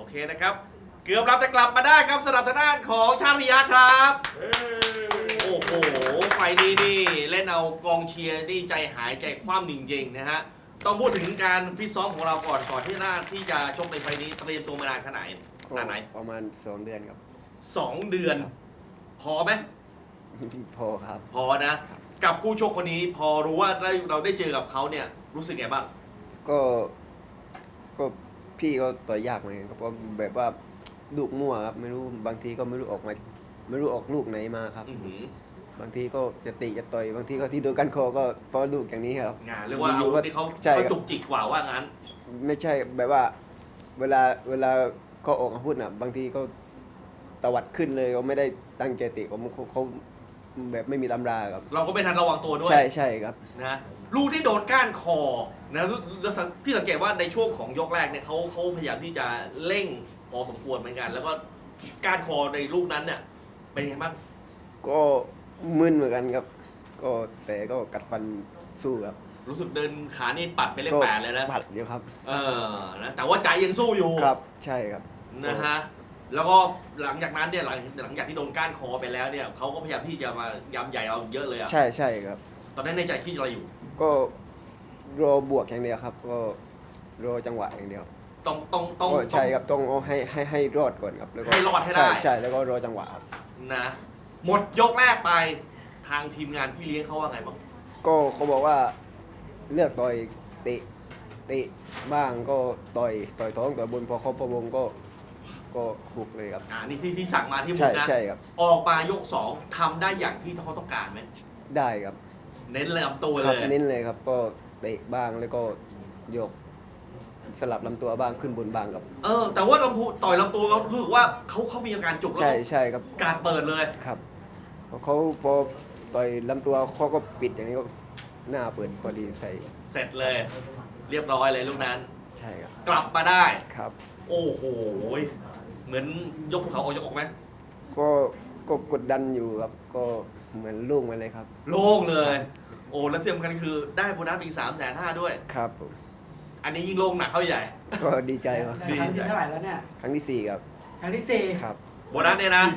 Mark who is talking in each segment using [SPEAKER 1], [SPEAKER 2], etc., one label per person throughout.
[SPEAKER 1] เคนะครับเกือบรับแต่กลับมาได้ครับสำหรับทางด้านของชาติพิยาครับโอ้โหไฟนี้นี่เล่นเอากองเชียร์นี่ใจหายใจคว่ำจริงๆนะฮะต้องพูดถึงการฟิตซ้อมของเราก่อนที่จะชกในไฟนี้เตรียมตัวมานานขนาดไหน
[SPEAKER 2] ประมาณ2 เดือนครับ
[SPEAKER 1] 2 เดือน พอไหม
[SPEAKER 2] พอครับ
[SPEAKER 1] พอนะกับคู่ชกคนนี้พอรู้ว่าเราได้เจอกับเขาเนี่ยรู้สึกไงบ้าง
[SPEAKER 2] ก็พี่ก็ต่อยยากเหมือนกันครับเพราะแบบว่าลูกมั่วครับไม่รู้บางทีก็ไม่รู้ออกลูกไหนมาครับบางทีก็จะตีจะต่อยบางทีก็ที่โดนกันคอก็เพราะลูกอย่างนี้ครับ
[SPEAKER 1] เรียกว่าอาวุธที่เขาจุกจิกกว่าว่างั้น
[SPEAKER 2] ไม่ใช่แบบว่าเวลาเขาออกอาวุธน่ะบางทีก็ตวัดขึ้นเลยเขาไม่ได้ตั้งใจตีเขาแบบไม่มีตำราครับ
[SPEAKER 1] เราก็ไม่ทันระวังตัวด้วย
[SPEAKER 2] ใช่ครับ
[SPEAKER 1] นะลูกที่โดนก้านคอนะพี่สังเกตว่าในช่วงของยกแรกเนี่ยเขาพยายามที่จะเร่งพอสมควรเหมือนกันแล้วก็ก้านคอในลูกนั้นเนี่ยเป็นยังไงบ้าง
[SPEAKER 2] ก็มึนเหมือนกันครับก็แต่ก็กัดฟันสู้ครับ
[SPEAKER 1] รู้สึกเดินขานี่ปัดไปเลข8เลยนะ
[SPEAKER 2] ปัดเดียวครับ
[SPEAKER 1] นะแต่ว่าใจยังสู้อยู่
[SPEAKER 2] ครับใช่ครับ
[SPEAKER 1] นะฮะแล้วก็หลังจากนั้นเนี่ยหลังจากที่โดนก้านคอไปแล้วเนี่ยเขาก็พยายามที่จะมายำใหญ่เราเยอะเลยอ่ะ
[SPEAKER 2] ใช่ครับ
[SPEAKER 1] ตอนนั้นในใจคิดอะไรอยู่
[SPEAKER 2] ก็รอบวกอย่างเดียวครับก็รอจังหวะอย่างเดียว
[SPEAKER 1] ต้อง
[SPEAKER 2] ใช่ครับต้องเอาให้รอดก่อนครับแล้วก็
[SPEAKER 1] ให้รอดให้ได้
[SPEAKER 2] ใช่แล้วก็รอจังหวะครับ
[SPEAKER 1] นะหมดยกแรกไปทางทีมงานพี่เลี้ยงเขาว่าไงบ้าง
[SPEAKER 2] ก็เขาบอกว่าเลือกต่อยเตะบ้างก็ต่อยท้องต่อยบนพอเขาประวงก็หุกเลยครับ
[SPEAKER 1] นี่ที่สั่งมาที่มุกนะ
[SPEAKER 2] ใช่ครับ
[SPEAKER 1] ออกมายก2ทำได้อย่างที่เขาต้องการไหม
[SPEAKER 2] ได้ครับ
[SPEAKER 1] เน้นลำตัวเลย
[SPEAKER 2] เน้นเลยครับก็เตะบ้างแล้วก็ยกสลับลำตัวบ้างขึ้นบนบ้างครับ
[SPEAKER 1] แต่ว่าต่อยลำตัวเขารู้สึกว่าเขามีอาการจุกแล้ว
[SPEAKER 2] ใช่ครับ
[SPEAKER 1] การเปิดเลย
[SPEAKER 2] ครับเขาพอต่อยลำตัวเขาก็ปิดอย่างนี้ก็หน้าเปิดพอดีใส่
[SPEAKER 1] เสร็จเลยเรียบร้อยเลยลูกนั้น
[SPEAKER 2] ใช่ครับ
[SPEAKER 1] กลับมาได้
[SPEAKER 2] ครับ
[SPEAKER 1] โอ้โหเหมือนยกภูเขายกออกไหม
[SPEAKER 2] ก็กดดันอยู่ครับก็เหมือนโล่งไปเลยครับ
[SPEAKER 1] โล่งเลยโอ้แล้วที่สำคัญคือได้โบนัสอีก350,000ด้วย
[SPEAKER 2] ครับผม
[SPEAKER 1] อันนี้ยิ่งโล่งหนักเข้าใหญ่
[SPEAKER 2] ก็ดีใจครับ
[SPEAKER 3] ครั้งที่เท่าไหร่แล้วเนี่ย
[SPEAKER 2] ครั้งที่4ครับ
[SPEAKER 3] ครั้งที่4
[SPEAKER 2] ครับ
[SPEAKER 1] โบนัสเนี่ยนะ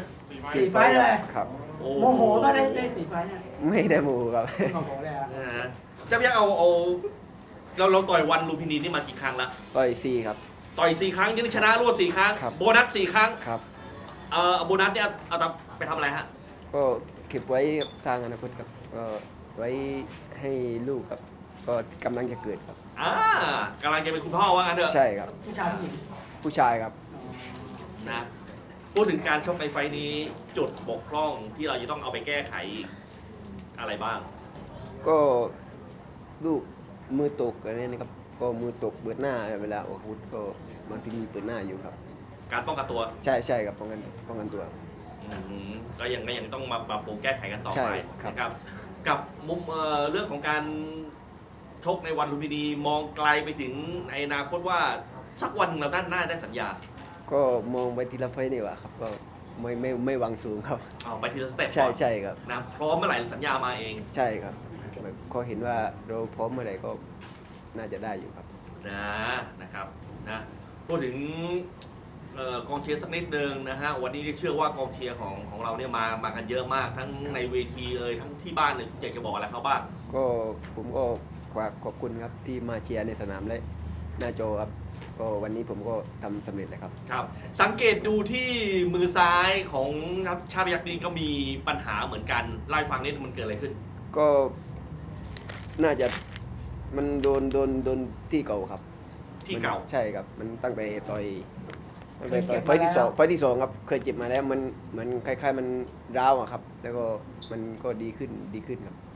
[SPEAKER 3] 4 ไฟล์เลย
[SPEAKER 2] ครับ
[SPEAKER 3] โมโหก็ได้4 ไฟล์เนี่ย
[SPEAKER 2] ไม่ได้โมครับ
[SPEAKER 3] โมโหเลยอ่ะ
[SPEAKER 1] จะยังเอาเราต่อยวันลูพินีนี่มากี่ครั้งละ
[SPEAKER 2] ต่อย4ครับ
[SPEAKER 1] ต่อย4 ครั้งยังชนะรวด4 ครั้งโบนัส4 ครั้ง
[SPEAKER 2] ครับ
[SPEAKER 1] โบนัสเนี่ยเอาไปทำอะไรฮะ
[SPEAKER 2] ก็เก็บไว้สร้างอนาคตครับก็ไว้ให้ลูกครับก็กำลังจะเกิดครับ
[SPEAKER 1] กำลังจะเป็นคุณพ่อว่างั้นเถอะ
[SPEAKER 2] ใช่ครับ
[SPEAKER 3] ผู้ชายผู้หญิง
[SPEAKER 2] ผู้ชายครับ
[SPEAKER 1] นะพูดถึงการชกในไฟนี้จุดบกพร่องที่เราจะต้องเอาไปแก้ไขอะไรบ้าง
[SPEAKER 2] ก็ลูกมือตกอะไรนี่นะครับก็มือตกเปิดหน้าเวลาออกอาวุธก็บางทีมีเปิดหน้าอยู่ครับ
[SPEAKER 1] การป้องกันตัว
[SPEAKER 2] ใช่ครับป้องกันตัว
[SPEAKER 1] ก็ยังต้องมาปรับปรุงแก้ไขกันต่อไปนะครับกับมุมเรื่องของการชกในวันลุมพินีมองไกลไปถึงในอนาคตว่าสักวันเราน่าได้สัญญา
[SPEAKER 2] ก็มองไปทีละไฟนี่ว่าครับก็ไม่หวังสูงครับ
[SPEAKER 1] ไปทีละสเต็ป
[SPEAKER 2] ใช่ครับ
[SPEAKER 1] นะพร้อมเมื่อไหร่สัญญามาเอง
[SPEAKER 2] ใช่ครับก็เห็นว่าเราพร้อมเมื่อไหร่ก็น่าจะได้อยู่ครับ
[SPEAKER 1] นะครับนะพูดถึงกองเชียร์สักนิดนึงนะฮะวันนี้เชื่อว่ากองเชียร์ของเราเนี่ยมากันเยอะมากทั้งในเวทีเลยทั้งที่บ้านเลยอยากจะบอกอะไรเขาบ้าง
[SPEAKER 2] ก็ผมก็ขอบคุณครับที่มาเชียร์ในสนามและหน้าจอครับก็วันนี้ผมก็ทำสำเร็จเลยครับ
[SPEAKER 1] ครับสังเกตดูที่มือซ้ายของชาติยักษ์นี่ก็มีปัญหาเหมือนกันไล่ฟังนิดมันเกิดอะไรขึ้น
[SPEAKER 2] ก็น่าจะมันโดนที่เก่าครับ
[SPEAKER 1] ที่เก่า
[SPEAKER 2] ใช่ครับมันตั้งแต่ต่อยไฟที่2ครับเคยเจ็บมาแล้วมันเหมือนคล้ายๆมันร้าวอะครับแล้วก็มันก็ดีขึ้นครับ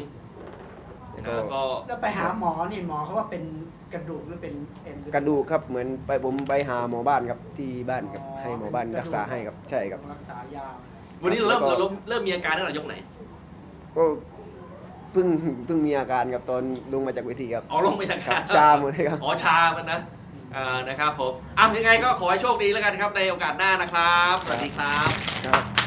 [SPEAKER 3] แล้วไปหาหมอนี่หมอเขาว่าเป็นกระดูกหรือเป็นเอ็น
[SPEAKER 2] กระดูกครับเหมือนผมไปหาหมอบ้านครับที่บ้านครับให้หมอบ้านรักษาให้ครับใช่ครับ
[SPEAKER 3] รักษายา
[SPEAKER 1] วันนี้เราเริ่มมีอาการตั้งแต่ยกไหน
[SPEAKER 2] ก็เพิ่งมีอาการครับตอนลงมาจากเวทีครับ
[SPEAKER 1] ลงมาจาก
[SPEAKER 2] ชาหมดเลยครับ
[SPEAKER 1] ชามันนะนะครับผมยังไงก็ขอให้โชคดีแล้วกันครับในโอกาสหน้านะครับสวัสดีครับ